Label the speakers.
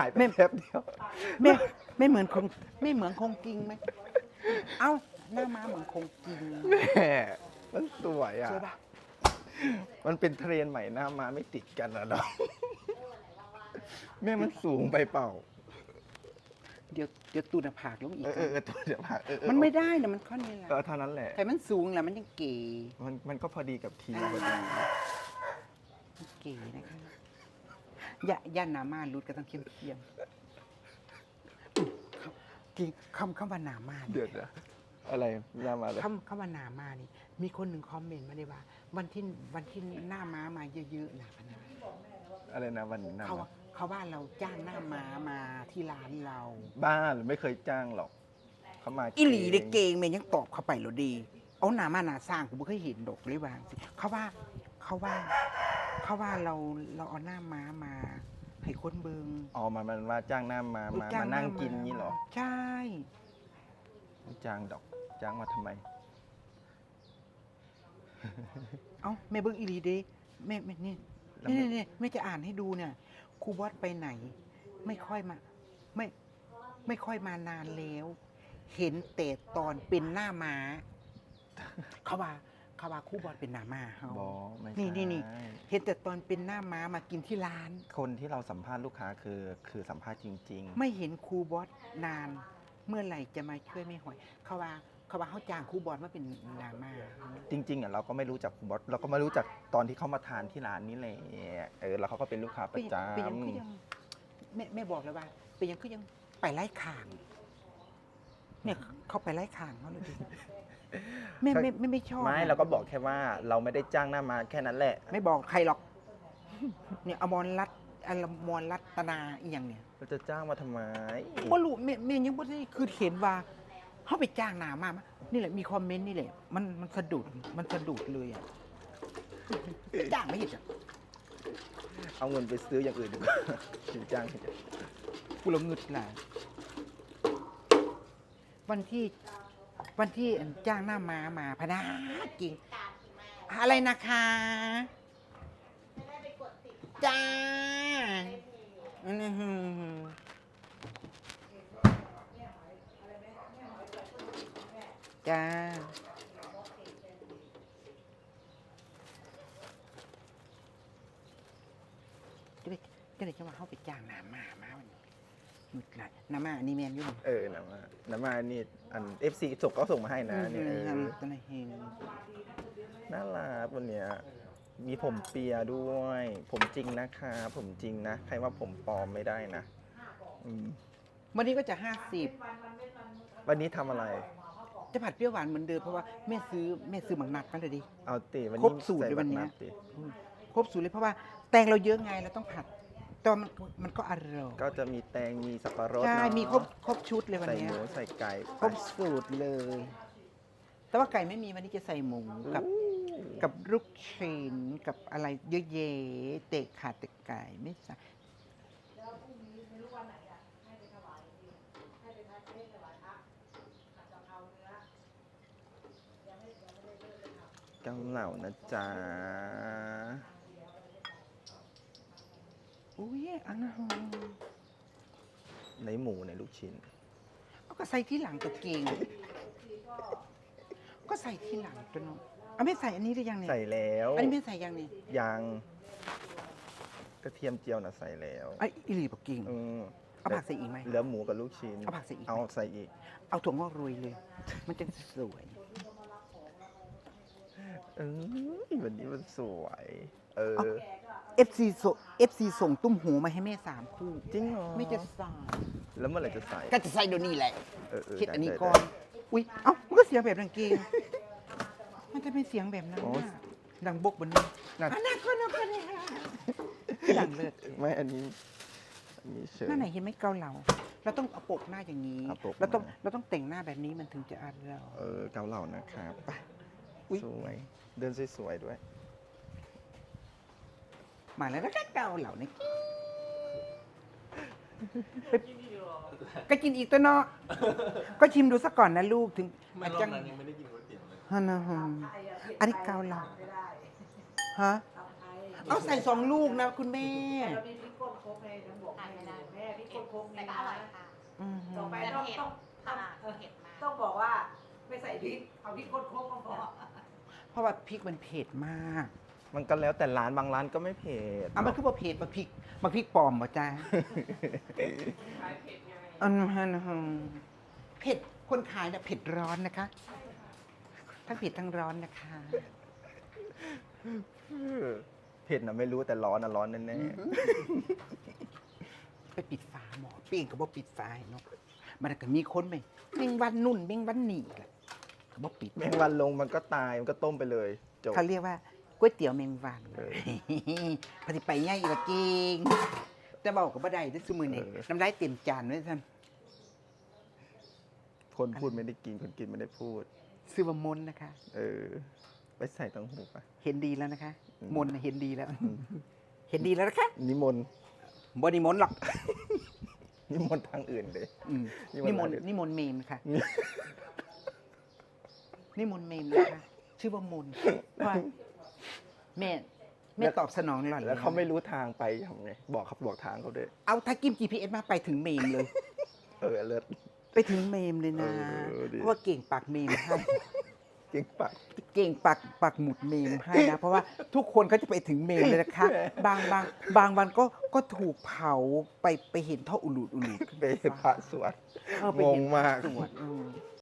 Speaker 1: ายไปแป๊บเดียว
Speaker 2: ไม่ไม่เหมือนคงไม่เหมือนคงกิงไหมเอ้าหน้าม้าเหมือนคงกิง
Speaker 1: แม่มันสวยอ่ะ
Speaker 2: ใช่ปะ
Speaker 1: มันเป็นเทรนด์ใหม่หน้ามาไม่ติดกันนะเนาะแม่มันสูงไปเปล่า
Speaker 2: เดี๋ยวตูนผากลงอีก
Speaker 1: ตัวเดี๋ยวผ่า
Speaker 2: มันไม่ได้นะมันข้อนี้แหละ
Speaker 1: เท่านั้นแหละ
Speaker 2: แต่มันสูงแหละมันยังเก๋
Speaker 1: มันก็พอดีกับทีมพอดี
Speaker 2: เก๋นะคะย่านหนามารุดก็ต้องเข้มกิงคำว่าหนามา
Speaker 1: เดือดอะอะไรหน้ามาเลย
Speaker 2: คำว่าหนามานี่มีคนหนึ่งคอมเมนต์มาเลยว่า วันที่หน้าม้ามาเยอะๆนะพนัก
Speaker 1: อะไรนะวันหน้า
Speaker 2: เขาว่าเราจ้างหน้าม้ามาที่ร้านเรา
Speaker 1: บ้าหรือไม่เคยจ้างหรอกเขามา
Speaker 2: อีหลีเด็กเกงเมนยังตอบเข้าไปหรอดี เอาหนามาหนาสร้างกูไม่เคยเห็นดอกเลยวางสิเขาว่าเราเอาหน้าม้ามาให้คนเบิง
Speaker 1: อ๋อมันว่าจ้างหน้ามานั่งกินนี่เหรอ
Speaker 2: ใช่
Speaker 1: ไม่จ้างดอกจ้างมาทำไม
Speaker 2: เอ้าแม่เบิงอีหลีเด้แม่นี่
Speaker 1: แล้ว
Speaker 2: นี่แม่จะอ่านให้ดูเนี่ยครูบอสไปไหน ไม่ค่อยมาไม่ค่อยมานานแล้ว เห็นแต่ตอนเป็นหน้าม้า เขาว่าครูบอสเป็นหน้าม้าเขา
Speaker 1: บอไม่ใช่
Speaker 2: นี่เห็นแต่ตอนเป็นหน้าม้ามากินที่ร้าน
Speaker 1: คนที่เราสัมภาษณ์ลูกค้าคือสัมภาษณ์จริง
Speaker 2: ไม่เห็นครูบอสนาน เมื่อไหร่จะมาช่วยแม่หอย เขาว่าเขาจ้างครูบอสมาเป็นหน้าม้า
Speaker 1: ๆ จริงๆอ่ะเราก็ไม่รู้จักคุณบอสเราก็ไม่รู้จักตอนที่เขามาทานที่ร้านนี้แหละแล้วเขาก็เป็นลูกค้าประจ
Speaker 2: เป็นยังคือยังแม่บอกเลยว่า เป็นยังคือยังไปไล่ข่าง เนี่ยเขาไปไล่ข่างเขาเลยดิแม่ไม่ชอบ
Speaker 1: ำไม่เราก็บอกแค่ว่าเราไม่ได้จ้างหน้ามาแค่นั้นแหละ
Speaker 2: ไม่บอกใครหรอก เนี่ยอมรรัตนาอีหยังเนี่ย
Speaker 1: เราจะจ้างมาทำไม
Speaker 2: บ่รู้แม่ยังบ่ได้คือเห็นว่าเขาไปจ้างหนามานี่แหละมีคอมเมนต์นี่แหละมันสะดุดเลยอ่ะจ้างไม่เห็นอ่ะ
Speaker 1: เอาเงินไปซื้ออย่างอื่นดีกว่า ถึงจ้างเถอะ
Speaker 2: กูละงึดหลายวันที่จ้างหน้ามาพนาจริง อะไรนะคะจ้าจ้าจะได้จะมาเข้าไปจ้างน้ำมาวันนี้หยุดไหลน้ำมาอันนี้แมนอยู่
Speaker 1: น้ำมานี่อัน FC ส่งก็ส่งมาให้นะเนี่ย
Speaker 2: ตอนนี้เฮง
Speaker 1: น่ารักวันเนี้ยมีผมเปียด้วย ผมจริงนะคะผมจริงนะ ใครว่าผมปลอมไม่ได้นะ
Speaker 2: วันนี้ก็จะ
Speaker 1: วันนี้ทำอะไร
Speaker 2: 50จะผัดเปรี้ยวหวานเหมือนเดิมเพราะว่าแม่ซื้อหมักนัดมาเลยดิ
Speaker 1: เอาติวัน
Speaker 2: คร
Speaker 1: นี้
Speaker 2: บสูตรเลยวันเนี้ย
Speaker 1: ใส่บัตรนัดติ
Speaker 2: ครบสูตรเลยเพราะว่าแตงเราเยอะไงเราต้องผัดแต่ว่ามันก็อร่อย
Speaker 1: ก็จะมีแตงมีสับปะรด
Speaker 2: ใช่
Speaker 1: เนาะ
Speaker 2: มีครบชุดเลยวัน
Speaker 1: ใส่
Speaker 2: เนี้
Speaker 1: ห
Speaker 2: ย
Speaker 1: มูใส่ไก่
Speaker 2: ครบสูตรเลย แต่ว่าไก่ไม่มีวันนี้จะใส่หมูกับลูกชิ้นกับอะไรเยอะแยะเตะขาเตะไก่ไม่ใส่
Speaker 1: เกาเหล่านะจ๊ะ
Speaker 2: อุ้ยอันนั้น
Speaker 1: ในหมูในลูกชิ้น
Speaker 2: เอาก็ใส่ที่หลังตัวเก่งก็ใส่ที่หลังตัวเนาะเอาไม่ใส่อันนี้หรือยังเนี่ย
Speaker 1: ใส่แล้ว
Speaker 2: อันนี้ไม่ใส่ยังเนี่ย
Speaker 1: ยังกระเทียมเจียวน่ะใส่แล้ว
Speaker 2: ไอ้อีหลีบอกเก่ง
Speaker 1: อืม
Speaker 2: เอาผักใส่อีกไหม
Speaker 1: เหลือหมูกับลูกชิ้น
Speaker 2: เอาผักใส่อีกไหม
Speaker 1: เอาใส่อีก
Speaker 2: เอาถั่วงอกโรยเลย มันจะสวย
Speaker 1: วันนี้มันสวย
Speaker 2: FC ส่งตุ้มหูมาให้แม่3 คู่
Speaker 1: จริงเหรอ
Speaker 2: ไม่จะใส่
Speaker 1: แล้วเมื่อไหร่จะใส่
Speaker 2: ก็จะใส่เดี๋ยวนี้แหละ คิดอันนี้
Speaker 1: ได้
Speaker 2: ก่อน อุ้ยเอ้ามันก็เสียงแบบดังเกงมันจะเป็นเสียงแบบนั้นน่ะดังบกบนนี้
Speaker 1: น่า
Speaker 2: อันนั้นก็เนี่ยดังเลิศ
Speaker 1: ไม่อันนี้เฉย
Speaker 2: หน้าไหนเห็นไหมเกาเหลาเราต้องเอาปกหน้าอย่างนี้
Speaker 1: เอาปก
Speaker 2: เราต้องแต่งหน้าแบบนี้มันถึงจะอร่อย
Speaker 1: เกาเหล่านะครับไป
Speaker 2: อุ๊ย
Speaker 1: สวย เดินสวยๆด้วย
Speaker 2: มาแล้วก็เกาเหลาเนี่ยก็กินอีกตัวเนาะก็ชิมดูสักก่อนนะลูกถึง
Speaker 3: ไม่รอบนั้นยังไม่ได้กินก๋วยเตี๋ยวเลย
Speaker 2: ฮะนะฮะอันนี้เกาเหลาฮะเอาใส่2 ลูกนะคุณแม่
Speaker 3: เรามีพริกก้นโคกในน้ำบอกให้แม่พริกก้นโคก
Speaker 4: แต่
Speaker 3: นี่
Speaker 4: ก็
Speaker 3: นะ
Speaker 4: อร่อยค่ะ
Speaker 2: อืม
Speaker 3: ต่อไป
Speaker 4: แต่
Speaker 3: ต้อง
Speaker 4: เผ็ด
Speaker 3: ต้อง
Speaker 4: ค่ะเผ็ดมาก
Speaker 3: ต้องบอกว่าไม่ใส่พริกเอาพริกก้นโคกก็พอ
Speaker 2: เพราะว่าพริกมันเผ็ดมาก
Speaker 1: มันก็แล้วแต่ร้านบางร้านก็ไม่เผ็ด
Speaker 2: อ่ะมันคือว่าเผ็ดบางพริกปลอมบ่จ้าอันนั้นเผ็ดคนขายเนี่ยเผ็ดร้อนนะคะ ทั้งเผ็ดทั้งร้อนนะคะ
Speaker 1: เผ็ดนะไม่รู้แต่ร้อนนะร้อนแน่
Speaker 2: ไปปิดฝาหมอเปลี่ยนก็บ่ปิดฝาให้เนาะมันก็มีคนไหมเม่งวันนุ่นเม่งวันหนีแหละก็บ่ปิด
Speaker 1: ๆแมงวันลงมันก็ตายมันก็ต้มไปเลยจบ
Speaker 2: เขาเรียกว่าก๋วยเตี๋ยวเมงวัน
Speaker 1: เออ
Speaker 2: ปฏิไปง่ายอีกละเก่งแต่บอกกับบ่ได้ด้วยซุมือนี่
Speaker 1: เออ
Speaker 2: น้ำลายเต็มจานด้วยท่าน
Speaker 1: คนพูดไม่ได้กินคนกินไม่ได้พูด
Speaker 2: ซื้อว่ามนต์นะคะ
Speaker 1: เออ ไปใส่ตังหูไป
Speaker 2: เห็นดีแล้วนะคะ
Speaker 1: อืม
Speaker 2: มนต์น่ะเห็นดีแล้ว เห็นดีแล้วนะคะ
Speaker 1: นิมนต์
Speaker 2: บ่นิมนต์หรอก
Speaker 1: นิมนต์ทางอื่นเลย
Speaker 2: อืม
Speaker 1: นิ
Speaker 2: นิ
Speaker 1: ม
Speaker 2: ม
Speaker 1: น
Speaker 2: น
Speaker 1: ต์
Speaker 2: ต์
Speaker 1: อะไร
Speaker 2: นิมนต์เมมค่ะ นิมนต์เมมนะคะ ชื่อว่ามนต์ว่าแม่ตอบสนองหล่อน
Speaker 1: แล้วเขาไม่รู้ทางไปทำไงบอกเขาบอกทางเขาด้วย
Speaker 2: เอาถ้ากิ้ม GPS มาไปถึงเมมเลย
Speaker 1: เออเลิศ
Speaker 2: ไปถึงเมมเลยนะ
Speaker 1: เออดี
Speaker 2: เพราะว่าเก่งปากเมมให้
Speaker 1: เก่งปาก
Speaker 2: เก่งปักหมุดเมมให้นะ เพราะว่าทุกคนเขาจะไปถึงเมมเลยนะคะ บางวันก็ถูกเผาไปเห็นท่ออุลูด
Speaker 1: ไปพระสวด
Speaker 2: เออไป
Speaker 1: ง
Speaker 2: เห็
Speaker 1: ง
Speaker 2: น
Speaker 1: มาก
Speaker 2: สวด